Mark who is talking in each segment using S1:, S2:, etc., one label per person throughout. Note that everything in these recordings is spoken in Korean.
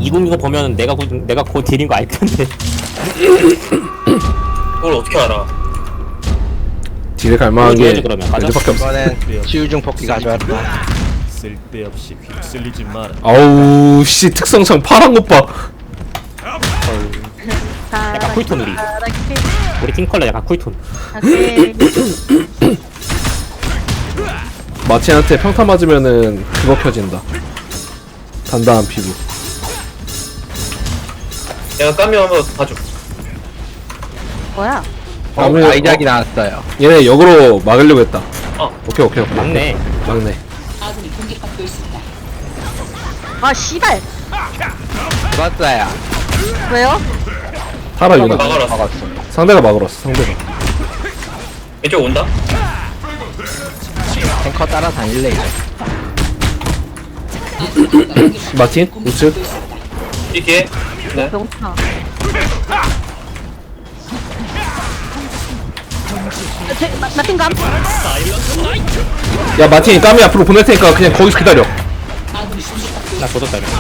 S1: 2020 보면 내가 곧 딜인 거 알 텐데.
S2: 그걸 어떻게 알아?
S3: 딜에 갈만한 게
S1: 해야지, 그러면. 가자.
S3: 벨트밖에 없어.
S4: 이번엔 치유중 뽑기 가져왔다.
S5: 쓸데없이 휩쓸리지 마라.
S3: 아우 씨 특성창 파란 것 봐.
S1: 약간 쿨톤 우리 팀 컬러 약간 쿨톤.
S3: 마틴한테 평타 맞으면은 그거 켜진다. 단단한 피부.
S2: 내가 까미 한번 봐줘.
S6: 뭐야?
S3: 까미-
S4: 아이작이 나왔어요.
S3: 얘네 역으로 막으려고 했다.
S2: 어.
S3: 오케이.
S1: 맞네.
S3: 막네.
S6: 아 씨발.
S4: 죽었어요.
S6: 왜요?
S3: 타라 유나.
S2: 막아라.
S4: 막았어.
S3: 상대가 막으러왔어. 상대가.
S2: 왼쪽 온다?
S4: 탱커 따라 다닐래 이제.
S3: 마틴 우측.
S2: 이게 네.
S6: 병타. 마틴감?
S3: 야 마틴 까미 앞으로 보낼 테니까 그냥 거기서 기다려.
S1: 나 조졌다 이거.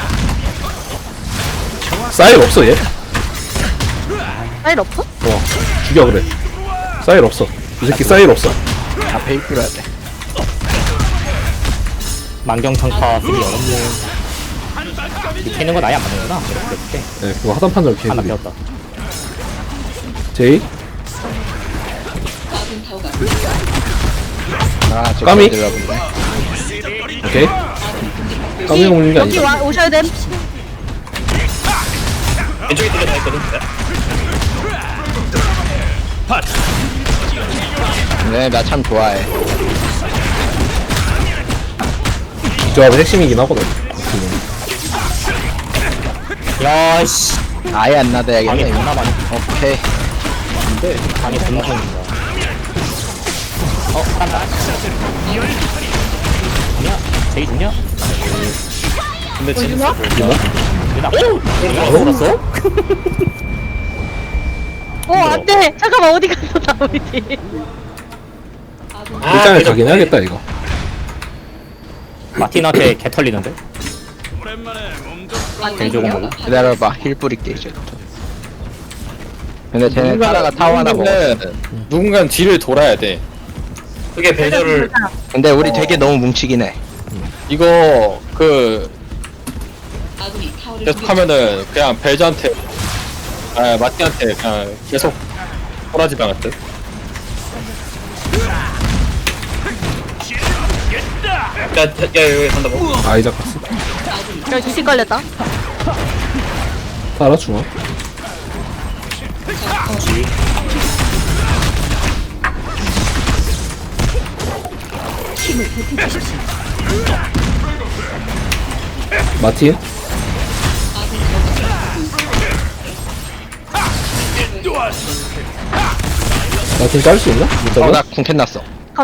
S3: 사일 없어 얘.
S6: 파일 없어?
S3: 죽여 그래. 사일 없어. 이 새끼 사일 없어.
S4: 앞에 입구려야 돼.
S1: 만경창파 쓰기 어렵네. 이 캐는 건 아예 안 맞는구나. 이렇게
S3: 네 그거 하단 판정
S1: 하나
S3: 개구리.
S1: 배웠다.
S3: 제이.
S4: 아, 저
S3: 까미?
S4: 들어보네.
S3: 오케이. 까미가 올린 게
S6: 여기
S3: 아니다.
S6: 오셔야 됨.
S2: 왼쪽에 두개 다 있거든.
S4: 네, 나 참 좋아해.
S3: 이 조합의 핵심이긴 하거든.
S1: 야씨.
S4: 아예 안
S1: 방에
S4: 나대야겠네.
S1: 존나 많이.
S4: 오케이.
S1: 근데 방에 존나 많이. 깐다. 좋냐? 제이 좋냐?
S2: 근데 진짜
S1: 유나? 오! 알았어?
S6: 안돼. 잠깐만 어디 갔어 나 우리 팀.
S3: 일장에 가긴 해야겠다 이거.
S1: 마틴한테 개 털리는데? 개조공 먹어.
S4: 기다려봐. 힐 뿌릴게 이제. 근데 쟤네 타다가 타워 하나 먹어.
S7: 누군가는 뒤를 돌아야 돼.
S2: 그게 벨저를
S4: 근데 우리 되게 너무 뭉치긴 해.
S7: 이거 계속 하면은 그냥 벨저한테 마티한테 그냥 계속 꼬라지 당할 듯.
S2: 야 여기 간다 뭐.
S3: 아이작 갔어.
S6: 여기 두시 걸렸다.
S3: 타라 중앙. 마틴. 마틴 짤 수 있나? 못 잡아?
S4: 나 궁캔 났어.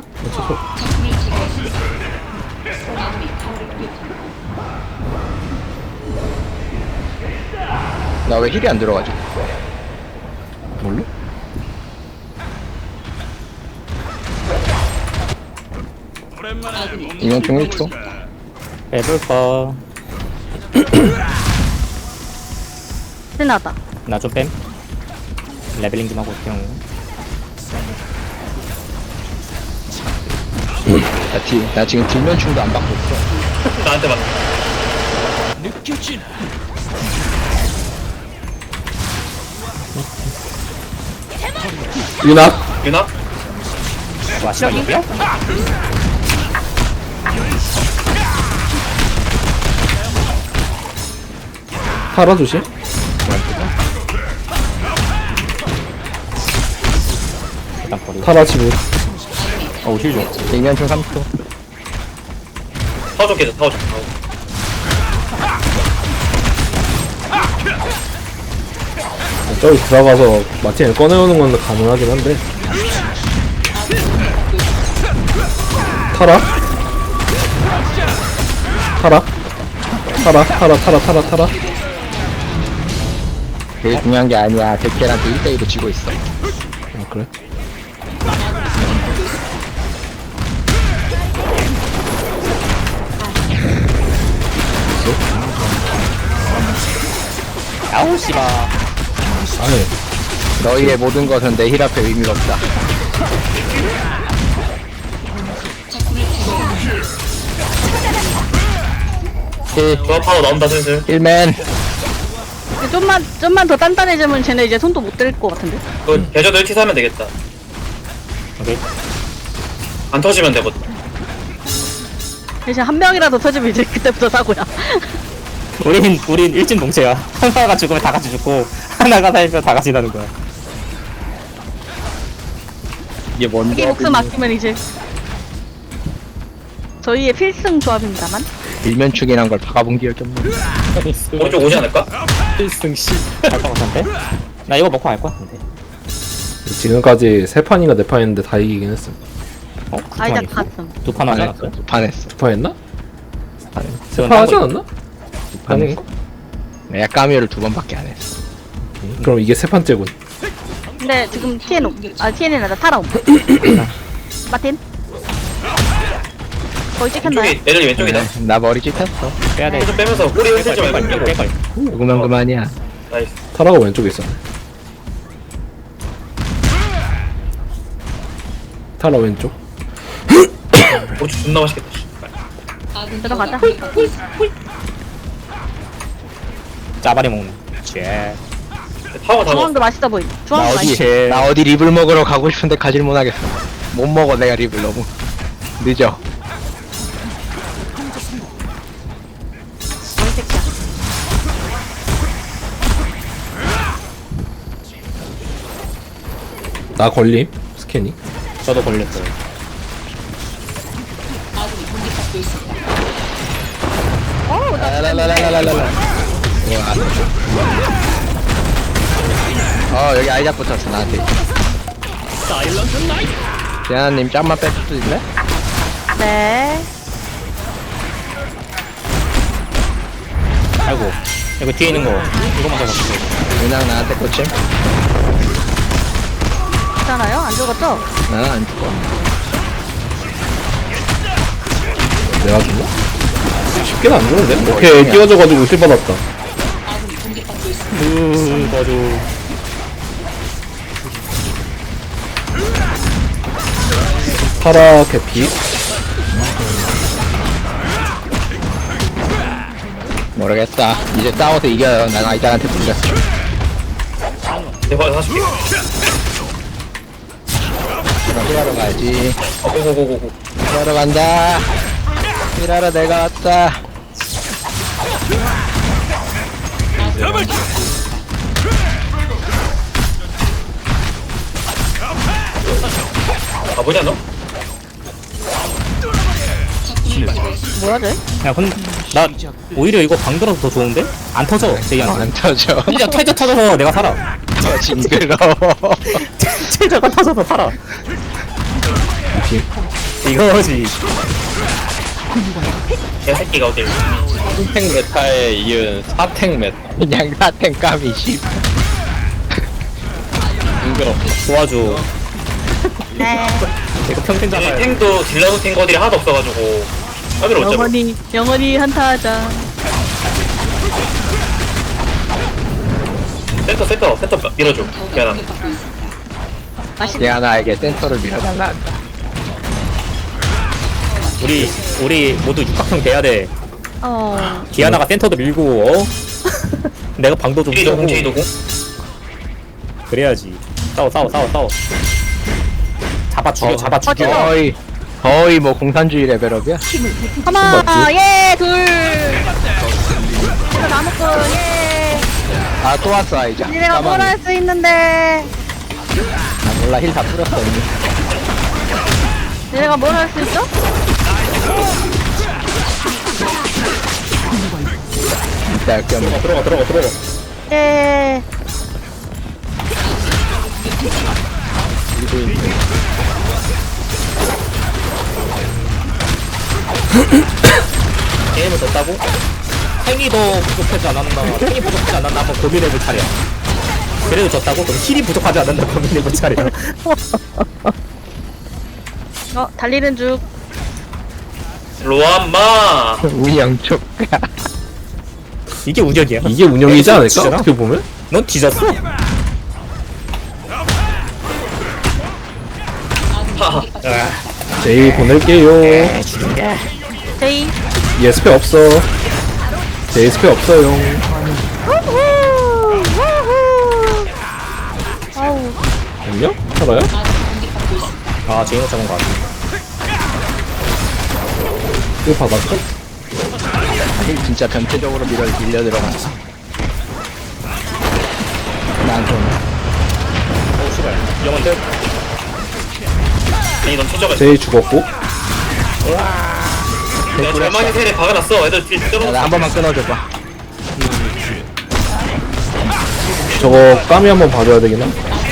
S4: 나 왜 힐이 안 들어가지?
S3: 뭘로?
S4: 이면 중 1초.
S1: 해볼까?
S6: 끝나다.
S1: 나 좀 뺨. 레벨링 좀 하고 그냥.
S4: 나 지금 뒷면충도 안 받고 있어.
S2: 나한테 맞.
S3: 유나.
S2: 유나?
S1: 와 시작이야?
S3: 타라 조심.
S1: 일단 버리고.
S3: 타라 지금.
S1: 어우 힐 줘.
S4: 이면충 3초.
S2: 타워 좀 깨져 타워 좀.
S3: 저기 들어가서 마틴을 꺼내오는 건 가능하긴 한데. 타라. 타라.
S4: 그게 중요한 게 아니야. 데켈한테 1대1로 지고 있어.
S3: 아 그래?
S1: 아우 씨발.
S3: 아니
S4: 너희의 모든 것은 내 힐 앞에 의미가 없다.
S2: 조합 파워 나온다 슬슬.
S4: 힐맨.
S6: 좀만 더 단단해지면 쟤네 이제 손도 못 댈 것 같은데.
S2: 그 배저도 1티 사면 되겠다.
S1: 오케이.
S2: 안 터지면 되거든.
S6: 이제 한 명이라도 터지면 이제 그때부터 사고야.
S1: 우린 일진동체야. 하나가 죽으면 다 같이 죽고 하나가 살면 다 같이 나는 거야.
S7: 이게 뭔
S6: 자기 목숨 아끼면 이제 저희의 필승 조합입니다만.
S4: 일면축이란 걸 박아본 기억이 없네.
S2: 오른쪽 오지 않을까?
S7: 필승 씨.
S1: 갈것 같은데? 나 이거 먹고 갈 거야. 근데.
S3: 지금까지 3판인가 4판 했는데 다 이기긴 했어.
S1: 어?
S6: 아이작 갔음.
S1: 두판 하지 않았어요?
S4: 반했어.
S3: 2판 했나?
S1: 그건
S3: 3판 하지
S1: 딴 거
S3: 않았나?
S4: 반했어.
S3: 아닌가?
S4: 내가 까미오를 2번밖에 안 했어.
S3: 그럼 이게 3판째군.
S6: 근데 지금 TN TN이 아니라 타라옴. 마틴. 거의 찍혔나요?
S2: 왼쪽에 애들 왼쪽이다.
S4: 나 머리 찢었어.
S1: 빼야 돼.
S2: 좀 빼면서 꼬리 흔들지 말고
S1: 뺄걸,
S2: 빼고.
S1: 뺄걸.
S4: 누구면 그만이야.
S2: 나이스.
S3: 타라가 왼쪽에 있었네. 타라 왼쪽.
S2: 오른쪽 존나 맛있겠다. 씨.
S6: 들어가자.
S1: 짜바리 먹는. 쟤.
S2: 파워 다 먹었어.
S6: 중앙도 맛있어 보이.
S4: 나
S6: 중앙도 맛있어.
S1: 쟤.
S4: 나 어디 립을 먹으러 가고 싶은데 가질 못하겠어. 못 먹어 내가 립을 너무 늦어.
S6: 머리 새끼야.
S3: 나 걸림. 스캐닝.
S1: 저도 걸렸어요.
S6: 어우 나
S4: 라라라라라라라. 여기 아이작 붙었어 나한테. 재하님 짬만 뺄 수도 있네?
S6: 네.
S1: 아이고. 이거 뒤에 있는 거. 이거 먼저 먹을게.
S4: 그냥 나한테 꽂힘?
S6: 괜찮아요? 안 죽었죠?
S4: 나는 안 죽어.
S3: 내가 죽나? 쉽게는 안 죽는데? 오케이 끼워져가지고 실 받았다.
S1: 거죠.
S3: 타라 캐피.
S4: 모르겠다. 이제 싸워서 이겨요. 난 아이작한테 불렸어.
S2: 내가 40개.
S4: 일하러 가야지.
S2: 고고고고고.
S4: 일하러 간다. 일하러 내가 왔다.
S2: 가보냐 너?
S6: 뭐야 쟤?
S1: 야, 근데 나 오히려 이거 방 들어서 더 좋은데? 안 터져. 제이한테.
S4: 안 터져.
S1: 진짜 퇴저 터져서 내가 살아.
S4: 징그러워.
S1: 퇴저가 터져서 살아. 이거지.
S2: 개새끼가 어딜.
S7: 3탱 메타에 이은 4탱 메타.
S4: 그냥 사탱 까미 씨.
S7: 징그럽.
S1: 도와줘.
S6: 네.
S1: 이거 평생
S2: 이
S1: 잡아야 돼.
S2: 탱도 딜러도 탱 거딜이 하나도 없어가지고 까비를 못 잡아.
S6: 영원히 한타하자.
S2: 센터 밀어줘. 미안하다.
S4: 대하나에게 센터를 밀어달라 한다.
S1: 우리 모두 육각형 돼야 돼. 디아나가 센터도 밀고, 어? 내가 방도 좀
S2: 제이도공
S1: 쏘고.
S2: 제이도공.
S1: 그래야지. 싸워. 잡아 죽여.
S4: 거의 뭐 공산주의 레벨업이야.
S6: 하나, 예, 둘. 이거 나무꾼, 예.
S4: 아 또 왔어 아이작.
S6: 니네가 뭘 할 수 있는데.
S4: 나 몰라 힐 다 뿌렸어 이미.
S6: 니네가 뭘 할 수 있어?
S4: 진짜 역겹네.
S1: 들어가.
S6: 예.
S1: 게임을 졌다고? 탱이 더 부족하지 않았나? 탱이 부족하지 않았나? 한번 고민해볼 차례야. 그래도 졌다고? 그럼 힐이 부족하지 않았나? 고민해볼 차례야.
S6: 달리는 중.
S2: 로암마.
S4: 운영 조카.
S1: 이게 운영이야.
S3: 이게 운영이지 않을까?
S1: 진짜나?
S3: 어떻게 보면?
S1: 넌 뒤졌어.
S3: 제이 보낼게요.
S6: 제이.
S3: 얘 스페 없어. 제이 스페 없어요.
S6: 우후. 우후. 아우.
S3: 안녕? 살아요?
S1: 아 제이노 잡은 거 같아.
S3: 이거 받았어?
S4: 아니 진짜 변태적으로 밀려 들어갔어. 난 좀.
S1: 오 씨발. 영원대.
S2: 아니 넌 초저가
S3: 제이 죽었고.
S2: 내가 절망의 텔에 박아놨어. 애들 뒤에 떨어져.
S4: 나 한 번만 끊어줘봐.
S3: 저거 까미 한번 봐줘야 되겠나?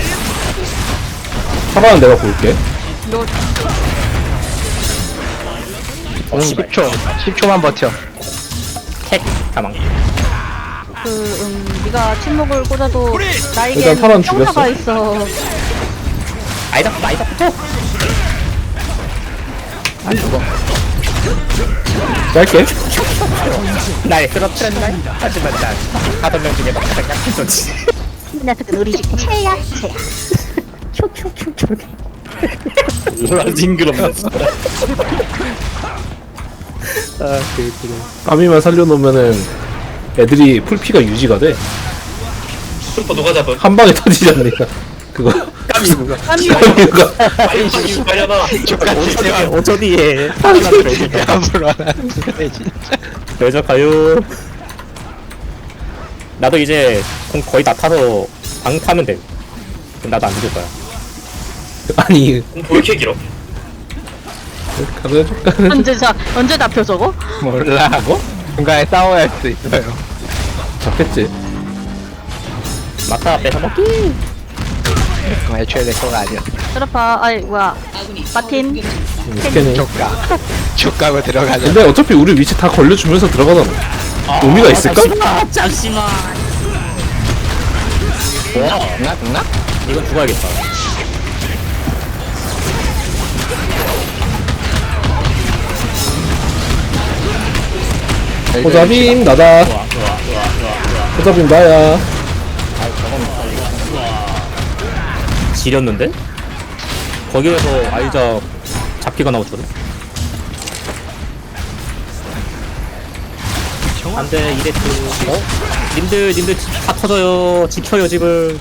S3: 살아는 내가 볼게.
S4: 10초. 10초만 버텨.
S1: 택 가망.
S6: 네가 침묵을 꽂아도 나에겐
S3: 일단 탈환
S6: 평타가
S3: 죽였어.
S6: 있어.
S1: 아이다 붙어.
S4: 안 죽어.
S3: 짧게.
S1: 날 쓰러뜨렸나? 하지만 난 5명 중에 막 가장 약했었지.
S6: 이 녀석은 우리 집 최야 최야.
S7: 뭐라 징그럽네.
S3: 까미만 살려놓으면은 애들이 풀피가 유지가 돼.
S2: 슈퍼 누가 잡음?
S3: 한 방에 터지지 않으니까. 그거.
S1: 까미 누가?
S3: 까미가.
S2: 빨리 빨려나.
S1: 5초 뒤에
S4: 함부로 안 하는데 진짜.
S1: 여자 가요. 나도 이제 공 거의 다 타서 방 타면 돼. 그럼 나도 안 죽을 거야.
S3: 아니,
S2: 왜 이렇게 길어?
S3: 가져줄까?
S6: 언제 잡혀 저거?
S4: 몰라. 뭐? 중간에 싸워야 할 수 있어요.
S3: 잡겠지.
S1: 마타 뺏어 먹기.
S4: 그럼 애초에 내 거가 아니야.
S6: 트라파 아이 뭐야 마틴.
S3: 스캔이.
S4: 족가고 들어가자.
S3: 근데 어차피 우리 위치 다 걸려주면서 들어가잖아. 의미가 있을까?
S1: 잠시만.
S4: 죽나?
S1: 이건 죽어야겠다.
S3: 호자빔 나다. 호자빔 나야.
S1: 지렸는데? 거기에서 아이자 잡기가 나오거든. 안돼 이레트. 어? 님들 다 터져요. 지켜요 집을.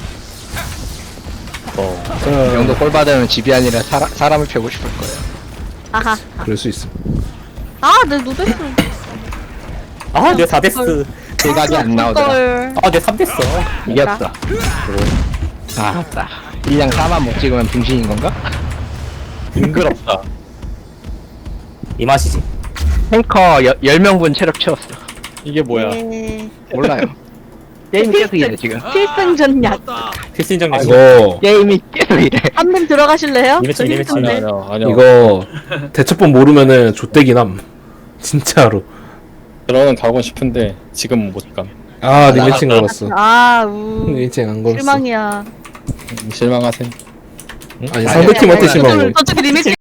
S4: 이 정도 꼴 받으면 집이 아니라 사람을 펴고 싶을 거예요.
S6: 아하.
S3: 그럴 수 있음.
S6: 아내 누데스.
S1: 아, 내 4데스.
S4: 대각이 안 나오더라.
S1: 아, 내 3데스.
S4: 이겼어. 아, 맞다. 1량 4만 못 찍으면 빙신인 건가?
S7: 징그럽다.
S1: 이 맛이지.
S4: 탱커 10명분 체력 채웠어.
S7: 이게 뭐야?
S6: 네.
S4: 몰라요. 게임이 계속 이래 지금.
S6: 필승전략.
S1: 필승정 약
S3: 이거,
S4: 게임이 계속 이래.
S6: 한님 들어가실래요?
S1: 리매치,
S6: 저기
S1: 리매치.
S6: 있던데.
S7: 아니야.
S3: 이거, 대처법 모르면은 좆대긴 함. 진짜로.
S7: 들어는 가고 싶은데 지금 못 감.
S3: 아, 리매칭 걸었어.
S6: 아우
S3: 리매칭 안 걸었어.
S6: 실망이야.
S7: 실망하세요.
S3: 아니, 상대팀한테 심한 거.
S6: 저쪽에 리메이크